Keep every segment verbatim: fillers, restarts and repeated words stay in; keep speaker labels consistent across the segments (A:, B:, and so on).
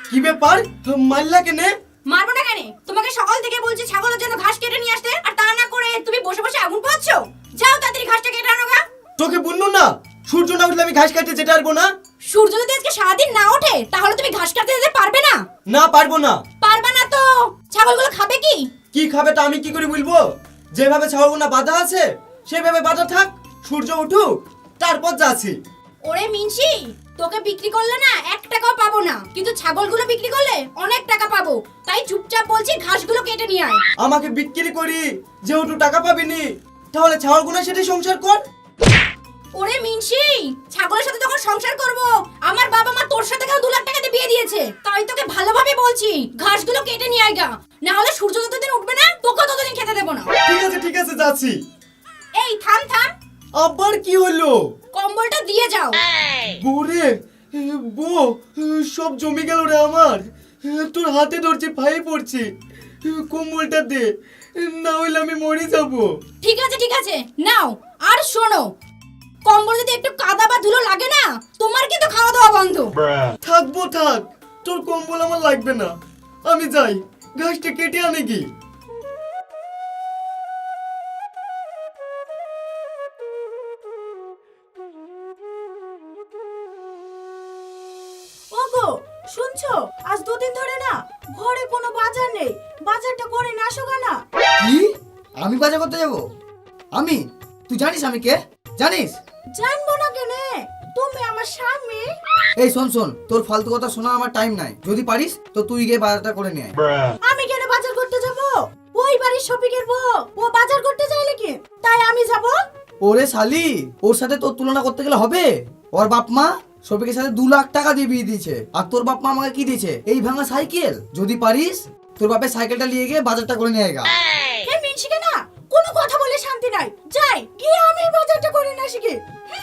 A: কি ব্যাপার, মারলা কেনে?
B: মারবো না কেন? তোমাকে সকাল থেকে বলছি ছাগলের জন্য ঘাস কেটে নিয়ে আসতে, আর তা না করে তুমি বসে বসে আগুন পোহাচ্ছো। যাও তাড়াতাড়ি ঘাসটা কেটে আনো গা।
A: তোকে বললো না সূর্য না উঠলে আমি ঘাস কাটতে যেতে পারবো না?
B: সূর্য যদি আজকে সারাদিন না ওঠে তাহলে তুমি ঘাস কাটতে যেতে পারবে না?
A: না পারবো না।
B: পারবে না তো ছাগলগুলো খাবে কি?
A: কি খাবে তা আমি কি করে বলবো? যেভাবে ছাগলগুলো বাঁধা আছে সেভাবে বাঁধা থাক, সূর্য উঠুক তারপর যাচ্ছি।
B: ওরে মিনসি, তোকে বিক্রি করলে না এক টাকাও পাবো না, কিন্তু ছাগলগুলো বিক্রি করলে অনেক টাকা পাবো। তাই চুপচাপ বলছি ঘাসগুলো কেটে নিয়ে আয়।
A: আমাকে বিক্রি করি যেহেতু টাকা পাবিনি, তাহলে ছাগলগুলোর সাথে সংসার কর।
B: ওরে মিনসি, ছাগলের সাথে যখন সংসার করব, আমার বাবা মা তোর সাথে কেউ দু লাখ টাকাতে বিয়ে দিয়েছে। তাই তোকে ভালোভাবে বলছি ঘাসগুলো কেটে নিয়ে আয় গা, না হলে সূর্য যতদিন উঠবে না তোকে ততদিন খেতে দেবো না।
A: ঠিক আছে ঠিক আছে যাচ্ছি।
B: এই থাম থাম,
A: আবার কি হলো?
B: কম্বলটা দিয়ে যাও।
A: বউরে, বউ সব জমে গেল রে আমার। তোর হাতে ধরছি ভাই পড়ছি, কম্বলটা দে, না হইলে আমি মরে যাবো।
B: ঠিক আছে ঠিক আছে নাও। আর শোনো, কম্বল যদি একটু কাদা বা ধুলো লাগে না, তোমার কিন্তু খাওয়া দাওয়া বন্ধ।
A: থাকবো থাক, তোর কম্বল আমার লাগবে না। আমি যাই, ঘাসটা কেটে আনে কি।
C: ওগো শুনছো, আজ দুদিন ধরে না ঘরে কোনো বাজার নেই, বাজারটা করে না আসো না।
D: কি? আমি বাজার করতে যাব? আমি? তুই জানিস আমি কে? জানিস?
C: জানবো না কেনে, তুমি আমার স্বামী।
D: এই শোন শোন, তোর ফালতু কথা শোনা আমার টাইম নাই। যদি পারিস তো তুই গিয়ে বাজারটা করে নিয়ে আয়।
C: আমি কেন বাজার করতে যাব? ওই বাড়ির শপিকের বউ ও বাজার করতে চাইলে কি তাই আমি যাব?
D: ওরে শালি, ওর সাথে তোর তুলনা করতে গেলে হবে? ওর বাপ মা শফিকের সাথে দু লাখ টাকা দিয়ে বিয়ে দিয়েছে, আর তোর বাপ মা আমাকে কি দিয়েছে? এই ভাঙা সাইকেল। যদি পারিস তোর বাপের সাইকেলটা নিয়ে গিয়ে বাজারটা করে নিয়ে আয়।
C: হে মিনছিকে না, কোনো কথা বলে শান্তি নাই। যাই গিয়ে আমি বাজারটা করে না শিখি।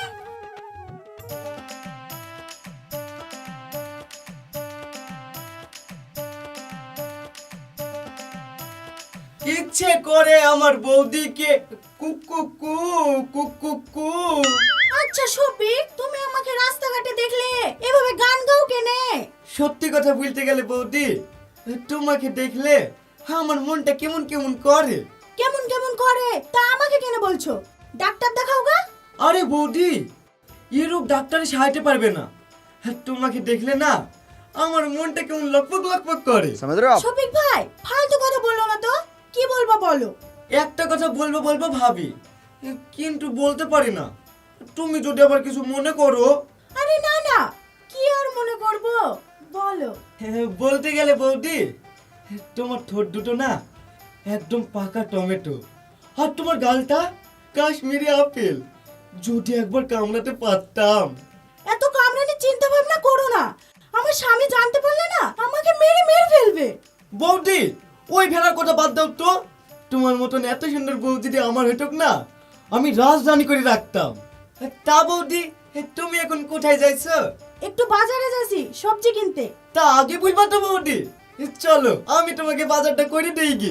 A: ইচ্ছে করে আমার বৌদিকে কুকু কু কুকু কু।
C: আচ্ছা শফিক, তুমি আমাকে রাস্তাঘাটে দেখলে এভাবে গান গাও কেনে?
A: সত্যি কথা বলতে গেলে বৌদি, তোমাকে দেখলে আমার মনটা কেমন কেমন করে।
C: কেমন কেমন করে তা আমাকে কেন বলছো? ডাক্তার দেখাও গা।
A: আরে বৌদি, এরূপ ডাক্তারে সাহায্য পারবে না। তোমাকে দেখলে না আমার মনটা কেমন লকপক লকপক করে।
C: শফিক ভাই ফালতু কথা বললো না তো, কি বলবো বলো।
A: একটা কথা বলবো বলবো ভাবি, কিন্তু বলতে পারি না। তুমি যদি আবার কিছু মনে করো।
C: আরে না না, কি আর মনে করব বলো।
A: বলতে গেলে বৌদি, তোমার ঠোঁট দুটো না একদম পাকা টমেটো, আর তোমার গালটা কাশ্মীরি আপেল। যদি একবার কামড়াতে পারতাম।
C: এত কামড়ানি চিন্তা ভাবনা করো না, আমার স্বামী জানতে পারলে না আমাকে মেরে মেরে ফেলবে।
A: বৌদি ওই ভেড়ার কথা বাদ দাও তো। তোমার মতন এত সুন্দর বউ যদি আমার হইতক না, আমি রাজধানী করে রাখতাম। তা বৌদি, তুমি এখন কোথায় যাইছো?
C: একটু বাজারে যাচ্ছি সবজি কিনতে।
A: তা আগে বলবা তো বৌদি। চলো আমি তোমাকে বাজারটা করে দেই কি।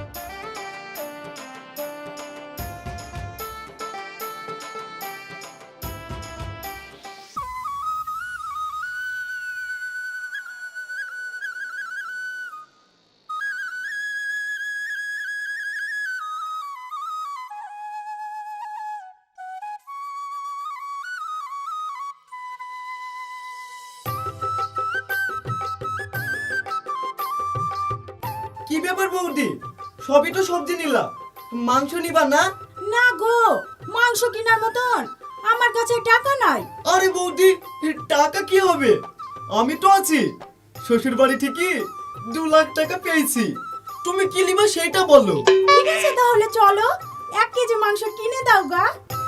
A: কি ব্যাপার বৌদি, সবই তো সবজি নিলা, মাংস নিবা না?
C: না গো, মাংস কেনার মতন আমার কাছে টাকা নাই।
A: আরে বৌদি, টাকা কি হবে? আমি তো আছি। শ্বশুর বাড়ি থেকে দু লাখ টাকা পেয়েছি। তুমি কি নিবা সেটা বলো।
C: ঠিক আছে তাহলে চলো, এক কেজি মাংস কিনে দাও গা।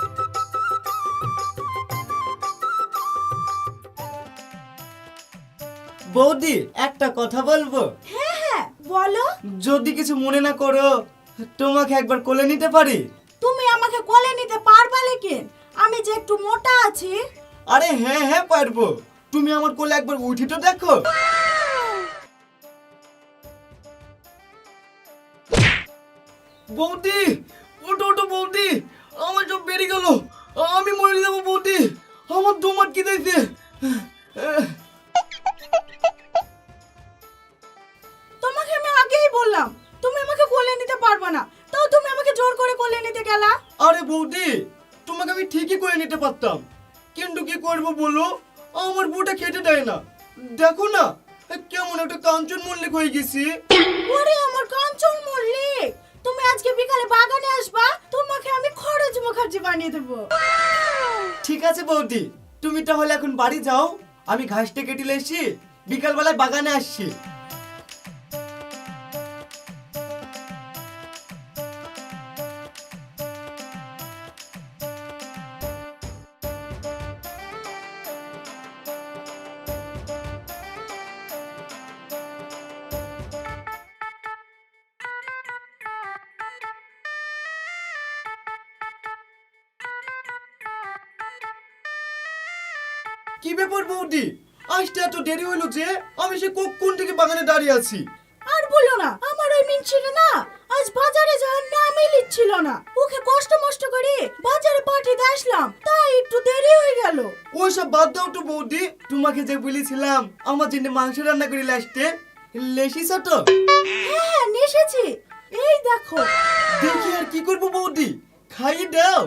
A: বৌদি একটা কথা বলবো?
C: হ্যাঁ হ্যাঁ বলো।
A: যদি কিছু মনে না করো, তোমাকে একবার কোলে নিতে পারি?
C: তুমি আমাকে কোলে নিতে পারবা লেকিন আমি যে একটু মোটা আছি।
A: আরে হ্যাঁ হ্যাঁ পারবো, তুমি আমার কোলে একবার উঠি তো দেখো। বৌদি ওটো ওটো বৌদি, আমার সব বেরিয়ে গেল, আমি মরে যাবো বৌদি, আমার দম আটকে দিয়েছে।
C: বললাম তুমি আমাকে কোলে নিতে পারবে না, তাও তুমি আমাকে জোর করে কোলে নিতে গেলা।
A: আরে বৌদি, তোমাকে আমি ঠিকই করে নিতে পারতাম, কিন্তু কি করব বলো, আমার বউটা খেতে দেয় না। দেখো না কেমন একটা কাঞ্চন মল্লিক হয়ে গেছি।
C: ওরে আমার কাঞ্চন মল্লিক, তুমি আজকে বিকালে বাগানে আসবা, তোমাকে আমি খরচ মুখার্জি বানিয়ে দেবো।
A: ঠিক আছে বৌদি, তুমি তাহলে এখন বাড়ি যাও, আমি ঘাসটা কেটে এসেছি, বিকালবেলায় বাগানে আসছি। কি ব্যাপার বৌদি, আসতে এত দেরি হলো যে? আমি সে কখন থেকে বাগানে দাঁড়িয়ে আছি।
C: আর বলো না, আমার ওই মিনছিটা না আজ বাজারে যাওয়ার নামই লিখছিল না, ওকে কষ্ট মষ্ট করে বাজারে পাঠিয়ে আসলাম, তাই একটু দেরি হয়ে গেল।
A: ওইসব বাদ দাও তো বৌদি, তোমাকে যে বলেছিলাম আমার জন্য মাংস রান্না করে আসতে, লেসিস তো?
C: হ্যাঁ হ্যাঁ নেশেছি, এই দেখো।
A: দেখি আর কি করবো বৌদি, খাইয়ে দাও।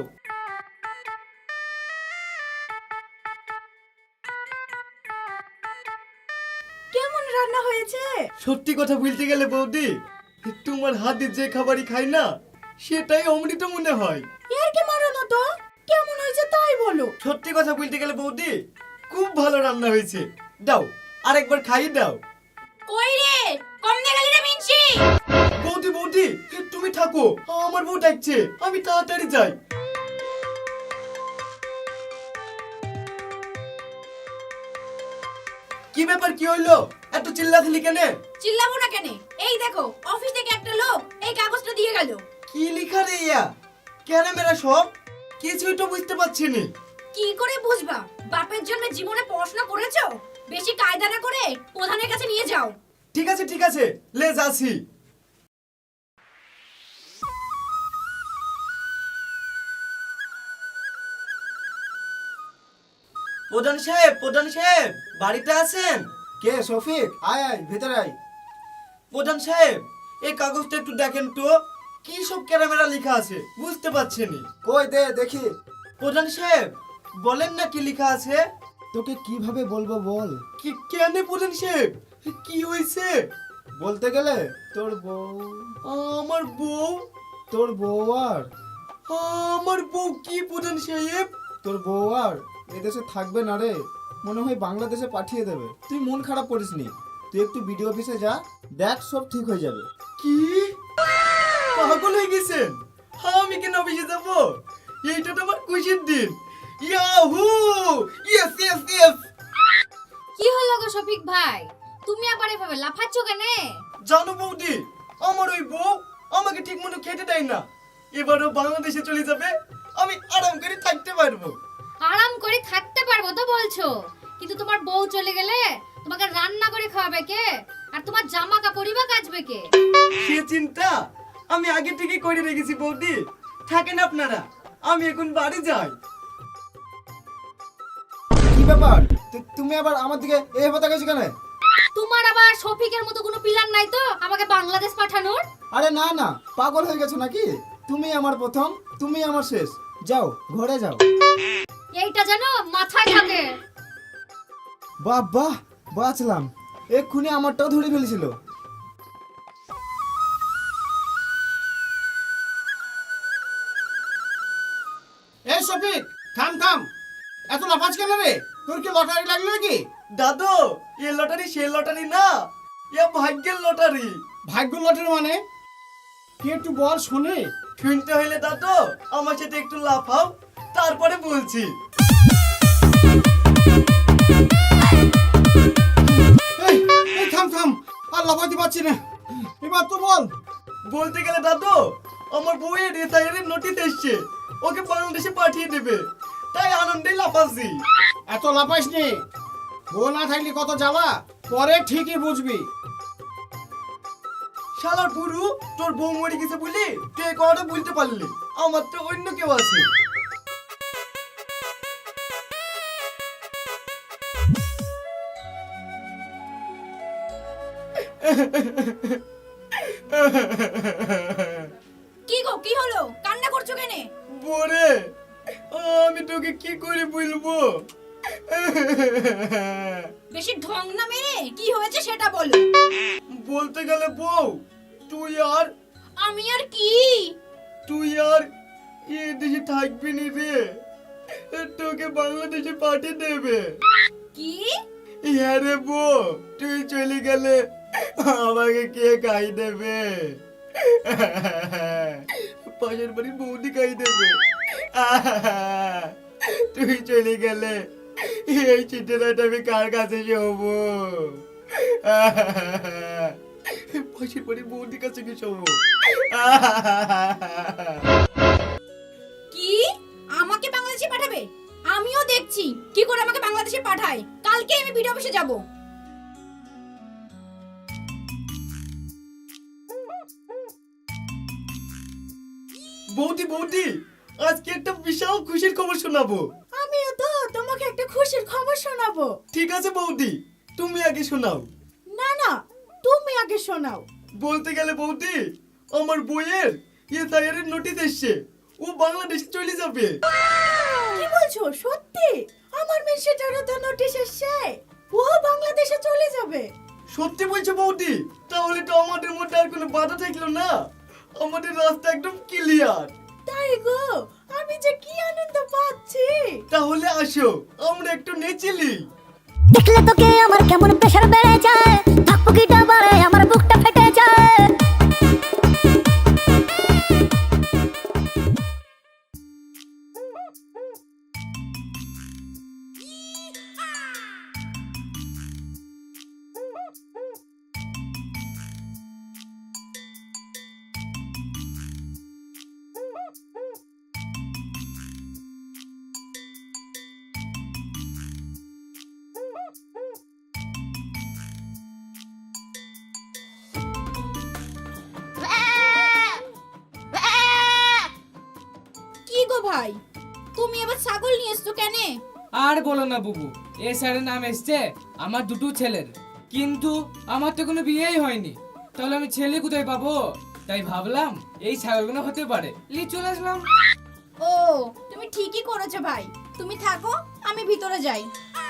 C: কেমন রান্না হয়েছে?
A: সত্যি কথা বলতে গেলে বৌদি, তোমার হাতে যে খাবারই খাই না সেটাই অমৃত মনে হয়।
C: এর কি মারো না তো, কেমন হয়েছে তাই বলো।
A: সত্যি কথা বলতে গেলে বৌদি, খুব ভালো রান্না হয়েছে। দাও আরেকবার খাইয়ে দাও।
B: কই রে, কম দিয়ে গেলি রে মিনসি।
A: বৌদি বৌদি তুমি থাকো, আমার বউ ডাকছে, আমি তাড়াতাড়ি যাই। কি ব্যাপার, কি হইলো, এত চিল্লাচিল্লি কেন?
B: চিল্লাবো না কেন, এই দেখো অফিস থেকে একটা লোক এই কাগজটা দিয়ে গেল।
A: কি লিখা রে ইয়া, কেন মেরা সব কিছুই তো বুঝতে পারছি না।
B: কি করে বুঝবা, বাপের জন্য জীবনে পড়াশোনা করেছো, বেশি কায়দা না করে প্রধানের কাছে নিয়ে যাও।
A: ঠিক আছে ঠিক আছে, লে যাচ্ছি। প্রধান সাহেব, প্রধান সাহেব বাড়িতে আছেন?
E: কে শফিক? আয় আয় ভেতরে আয়।
A: প্রধান সাহেব এই কাগজটা একটু দেখেন তো, কি সব ক্যামেরা লেখা আছে বুঝতে পারছি না।
E: কই দে দেখি।
A: প্রধান সাহেব বলেন না কি লেখা আছে।
E: তোকে কিভাবে বলবো বল।
A: কি কেন প্রধান সাহেব, কি হয়েছে?
E: বলতে গেলে তোর বউ,
A: আমার বউ?
E: তোর বউ আর
A: আমার বউ কি প্রধান সাহেব?
E: তোর বউ আর এদেশে থাকবে না রে, মনে হয় বাংলাদেশে পাঠিয়ে দেবে। তুই মন খারাপ করিস নি, তুই একটু বিডিও অফিসে যা, দেখ সব ঠিক হয়ে যাবে।
A: কি পাগল হয়ে গেছেন? আমি কেন অফিসে যাব? এইটা তো আমার খুশির দিন। Yahoo, yes yes yes.
B: কি হলো গো শফিক ভাই, তুমি আবার এভাবে লাফাচ্ছ কেন?
A: জানো বৌদি, আমার ওই বউ আমাকে ঠিক মতো খেতে দেয় না, এবারও বাংলাদেশে চলে যাবে, আমি আরাম করে থাকতে পারবো।
F: আরাম করে থাকতে পারবো তো বলছো, কিন্তু তোমার বউ চলে গেলে তোমাকে রান্না করে খাওয়াবে কে, আর তোমার জামা কাপড়ই বা কাচবে কে?
A: সে চিন্তা আমি আগে থেকে করে রেখেছি বৌদি, থাকেন আপনারা, আমি এখন বাড়ি যাই।
E: কি ব্যাপার, তু- তুমি আবার আমার দিকে এইভাবে তাকাইছো কেন?
F: তোমার আবার শফিকের মতো কোনো প্ল্যান নাই তো আমাকে বাংলাদেশ পাঠানোর?
E: আরে না না, পাগল হয়ে গেছো নাকি? তুমি আমার প্রথম, তুমি আমার শেষ। যাও ঘরে যাও।
F: এইটা যেন মাথায় থাকে।
E: বাহ বাহ, বাঁচলাম, এক্ষুনি আমারটাও ধরে ফেলেছিল। এই শফিক, থাম থাম, এত লাফাজ কেন রে? তোর কি লটারি লাগলো নাকি?
A: দাদু এ লটারি সে লটারি না, এ ভাগ্যের লটারি।
E: ভাগ্য লটারি মানে কি, একটু বল শুনে।
A: শুনতে হইলে দাদু আমার সাথে একটু লাফাও, তারপরে বলছি।
E: এই এই থাম থাম, আর লাফাতে পারছি না, এবার তো বল।
A: বলতে গেলে দাদু আমার বউয়ের রিটায়ারের নোটিশ এসছে, ওকে বাংলাদেশে পাঠিয়ে দেবে, তাই আনন্দে লাফাচ্ছি।
E: এত লাফাইস নি, বউ না থাকলে কত জ্বালা, পরে ঠিকই বুঝবি।
A: শালার পুরু, তোর বউ মরে গেছে বলি তুই এই কথাটা বলতে পারলি, আমার তো অন্য কেউ আছে।
B: কি গো কি হলো কান্না করছো কেন?
A: বরে আমি তোকে কি করে বলবো?
B: বেশি ঢং না মেরে কি হয়েছে সেটা বলো।
A: বলতে গেলে বউ, তুই আর
B: আমি আর কি?
A: তুই আর এ দেশে থাকবি নি রে, তোকে বাংলাদেশে পাঠিয়ে দেবে।
B: কি?
A: হ্যাঁ রে বউ, তুই চলে গেলে আমাকে কে খাই দেবে? পাশের বাড়ির বৌদি খাই দেবে। তুই চলে গেলে এই চিঠিটা আমি কার কাছে শোবো? পাশের বাড়ির বৌদির কাছে কি শোবো?
B: কি আমাকে বাংলাদেশে পাঠাবে? আমিও দেখছি কি করে আমাকে বাংলাদেশে পাঠায়। কালকে আমি ভিডিও অফিসে যাব।
A: বৌদি বৌদি, আজকে একটা বিশাল খুশির খবর শোনাবো।
C: আমিও তো তোমাকে একটা খুশির খবর শোনাবো।
A: ঠিক আছে বৌদি, তুমি আগে শোনাও।
C: না না, তুমি আগে শোনাও।
A: বলতে গেলে বৌদি, আমার বইয়ের ইয়ে দায়ের নোটিশ এসছে, ও বাংলাদেশে চলে যাবে।
C: কি বলছো সত্যি? আমার মেয়ে সেটারও তো নোটিশ এসেছে, ও বাংলাদেশে চলে যাবে।
A: সত্যি বলছো বৌদি? তাহলে তো আমাদের মধ্যে আর কোনো বাধা থাকলো না, আমাদের রাস্তা একদম ক্লিয়ার।
C: তাই গো, আমি যে কি আনন্দ পাচ্ছি।
A: তাহলে আসো আমরা একটু নেচেলি।
G: দেখলে তোকে আমার কেমন প্রেশার বেড়ে যায়, ধাকপুকিটা বাড়ে আমার বুকটা ফেটে যায়।
B: কি গো ভাই, তুমি এবার ছাগল নিয়ে এসছো কেন?
H: আর বলো না বুবু, এ স্যারের নাম এসছে আমার দুটো ছেলের, কিন্তু আমার তো কোনো বিয়েই হয়নি, তাহলে আমি ছেলে কোথায় পাবো? তাই ভাবলাম এই ছাগলগুলো হতে পারে, লি চলে আসলাম।
B: ও তুমি ঠিকই করেছো ভাই, তুমি থাকো আমি ভিতরে যাই।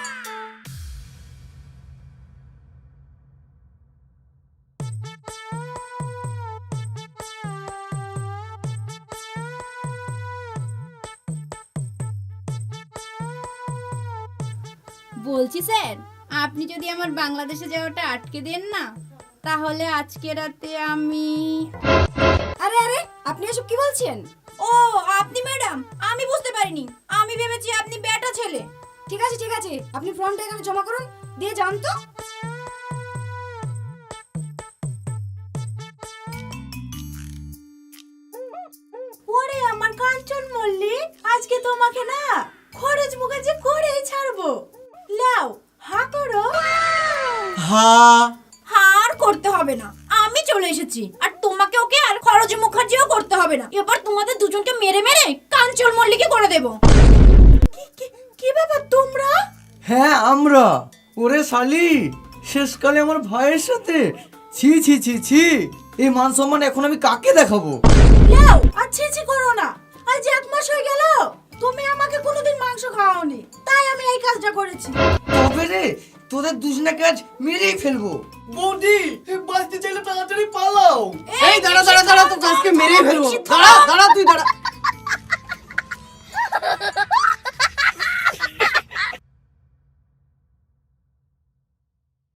B: বলছি স্যার, আপনি যদি আমার বাংলাদেশে যাওয়াটা আটকে দেন না, তাহলে আজকে রাতে আমি। আরে আরে আপনি এসব কি বলছেন? ও আপনি ম্যাডাম, আমি বুঝতে পারিনি, আমি ভেবেছি আপনি বেটা ছেলে। ঠিক আছে ঠিক আছে, আপনি ফর্মটা এখানে জমা করুন, দিয়ে যান তো।
C: ওরে আমার কাঞ্চন মল্লিক, আজকে তোমাকে না খরচ মুখার্জি করেই ছাড়বো। লাও হা করো।
A: হ্যাঁ
B: হার করতে হবে না, আমি চলে এসেছি, আর তোমাকে ওকে আর খরচ মুখার্জিও করতে হবে না। এবার তোমাদের দুজনকে মেরে মেরে কাঞ্চন মল্লিকে করে দেব।
C: কি- কি- কি ব্যাপার তোমরা?
D: হ্যাঁ আমরা। ওরে শালি, শেষকালে আমার ভাইয়ের সাথে ছি ছি ছি ছি, এই মান সম্মান এখন আমি কাকে দেখাবো?
C: লাও আর ছি ছি করো না, আজ এক মাস হয়ে গেল তুমি আমাকে কোনোদিন মাংস খাওয়াওনি, তাই আমি এই কাজটা করেছি।
D: তবে রে, তোদের দুজনাকে আজ মেরেই ফেলবো।
A: বৌদি, বাঁচতে চাইলে তাড়াতাড়ি পালাও।
D: এই দাঁড়া দাঁড়া দাঁড়া, তো আজকে মেরেই ফেলবো। দাঁড়া দাঁড়া, তুই দাঁড়া।